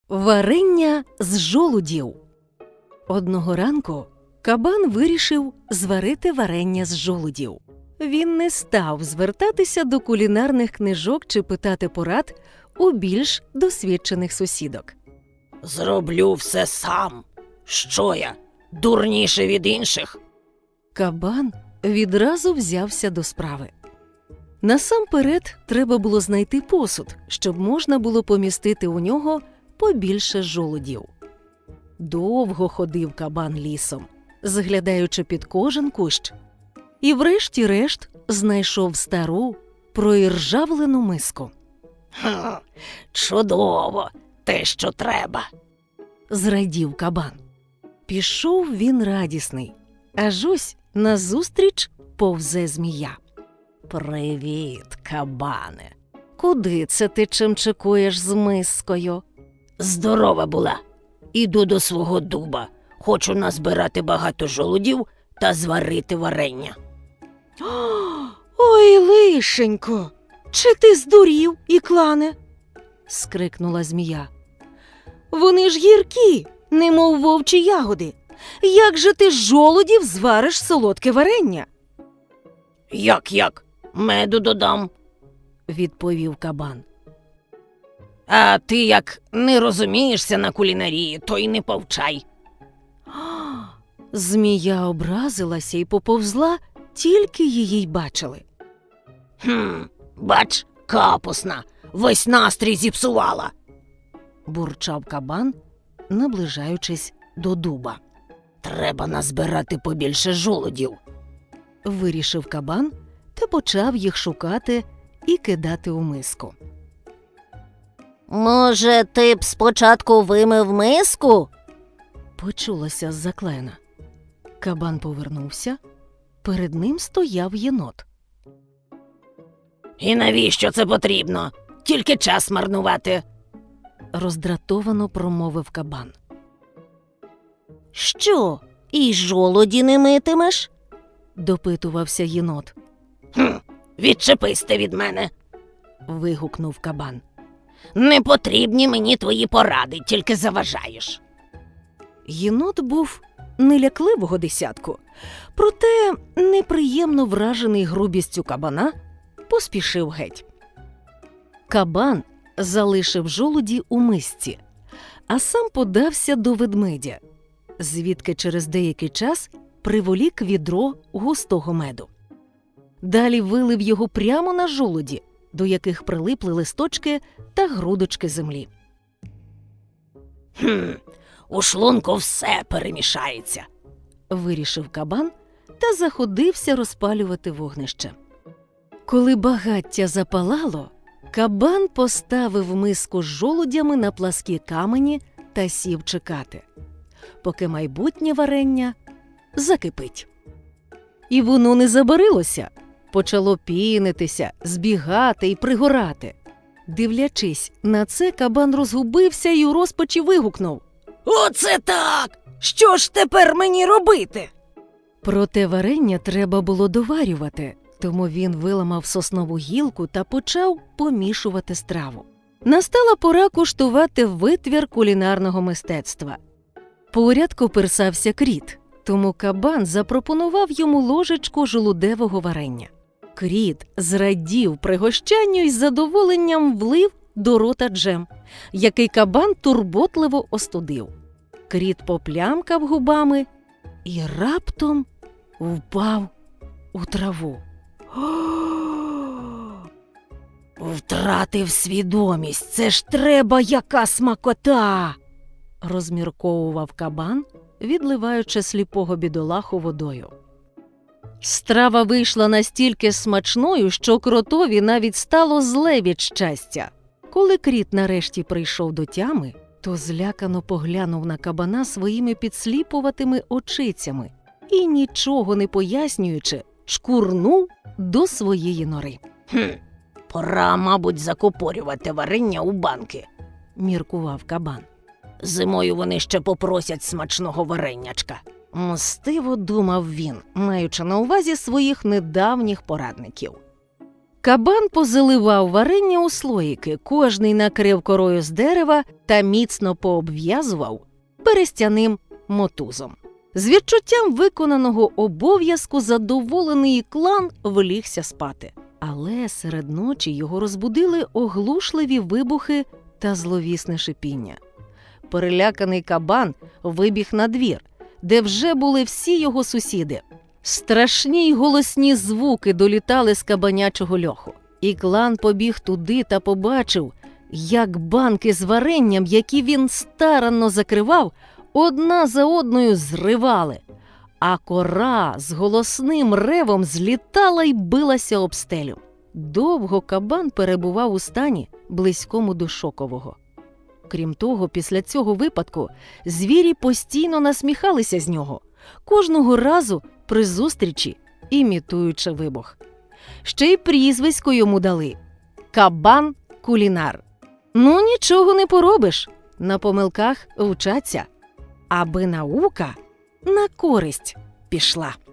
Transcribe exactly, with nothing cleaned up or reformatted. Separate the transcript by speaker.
Speaker 1: Варення з жолудів. Одного ранку кабан вирішив зварити варення з жолудів. Він не став звертатися до кулінарних книжок чи питати порад у більш досвідчених сусідок.
Speaker 2: «Зроблю все сам. Що я, дурніше від інших?»
Speaker 1: Кабан відразу взявся до справи. Насамперед треба було знайти посуд, щоб можна було помістити у нього побільше жолудів. Довго ходив кабан лісом, заглядаючи під кожен кущ. І врешті-решт знайшов стару, проіржавлену миску.
Speaker 2: «Ха, чудово, те, що треба!»
Speaker 1: Зрадів кабан. Пішов він радісний, аж ось назустріч повзе змія. «Привіт, кабане! Куди це ти чимчикуєш з мискою?»
Speaker 2: Здорова була. Іду до свого дуба. Хочу назбирати багато жолудів та зварити варення.
Speaker 1: «Ой, лишенько! Чи ти здурів, Іклане?» – скрикнула змія. «Вони ж гіркі, немов вовчі ягоди. Як же ти з жолудів звариш солодке варення?»
Speaker 2: «Як-як? Меду додам», –
Speaker 1: відповів кабан.
Speaker 2: «А ти як не розумієшся на кулінарії, то й не повчай».
Speaker 1: Змія образилася і поповзла, тільки її й бачили.
Speaker 2: «Хм, бач, капусна, весь настрій зіпсувала»,
Speaker 1: – бурчав кабан, наближаючись до дуба.
Speaker 2: «Треба назбирати побільше жолудів»,
Speaker 1: – вирішив кабан та почав їх шукати і кидати у миску.
Speaker 3: «Може, ти б спочатку вимив миску?»
Speaker 1: – почулося з-за клена. Кабан повернувся. Перед ним стояв єнот.
Speaker 2: «І навіщо це потрібно? Тільки час марнувати»,
Speaker 1: – роздратовано промовив кабан.
Speaker 3: «Що, і жолуді не митимеш?»
Speaker 1: – допитувався єнот.
Speaker 2: «Хм, відчепись ти від мене»,
Speaker 1: – вигукнув кабан.
Speaker 2: «Не потрібні мені твої поради, тільки заважаєш».
Speaker 1: Єнот був нелякливого десятку, проте неприємно вражений грубістю кабана поспішив геть. Кабан залишив жолуді у мисці, а сам подався до ведмедя, звідки через деякий час приволік відро густого меду. Далі вилив його прямо на жолуді, до яких прилипли листочки та грудочки землі.
Speaker 2: «Хм, у шлунку все перемішається»,
Speaker 1: – вирішив кабан та заходився розпалювати вогнище. Коли багаття запалало, кабан поставив миску з жолудями на пласкі камені та сів чекати, поки майбутнє варення закипить. І воно не забарилося, почало пінитися, збігати і пригорати. Дивлячись на це, кабан розгубився і у розпачі вигукнув:
Speaker 2: «Оце так! Що ж тепер мені робити?»
Speaker 1: Проте варення треба було доварювати, тому він виламав соснову гілку та почав помішувати страву. Настала пора куштувати витвір кулінарного мистецтва. Поряд коперсався кріт, тому кабан запропонував йому ложечку жолудевого варення. Кріт зрадів пригощанню і з задоволенням влив до рота джем, який кабан турботливо остудив. Кріт поплямкав губами і раптом впав у траву.
Speaker 2: «Втратив свідомість, це ж треба яка смакота!»
Speaker 1: – розмірковував кабан, відливаючи сліпого бідолаху водою. Страва вийшла настільки смачною, що кротові навіть стало зле від щастя. Коли кріт нарешті прийшов до тями, то злякано поглянув на кабана своїми підсліпуватими очицями і, нічого не пояснюючи, шкурнув до своєї нори.
Speaker 2: «Хм, пора, мабуть, закупорювати варення у банки»,
Speaker 1: – міркував кабан.
Speaker 2: «Зимою вони ще попросять смачного варенячка».
Speaker 1: Мстиво думав він, маючи на увазі своїх недавніх порадників. Кабан позаливав варення у слоїки, кожний накрив корою з дерева та міцно пообв'язував берестяним мотузом. З відчуттям виконаного обов'язку задоволений клан влігся спати. Але серед ночі його розбудили оглушливі вибухи та зловісне шипіння. Переляканий кабан вибіг на двір, де вже були всі його сусіди. Страшні й голосні звуки долітали з кабанячого льоху. І клан побіг туди та побачив, як банки з варенням, які він старанно закривав, одна за одною зривали, а кора з голосним ревом злітала й билася об стелю. Довго кабан перебував у стані, близькому до шокового. Крім того, після цього випадку звірі постійно насміхалися з нього, кожного разу при зустрічі імітуючи вибух. Ще й прізвисько йому дали – Кабан-кулінар. Ну, нічого не поробиш, на помилках вчаться, аби наука на користь пішла.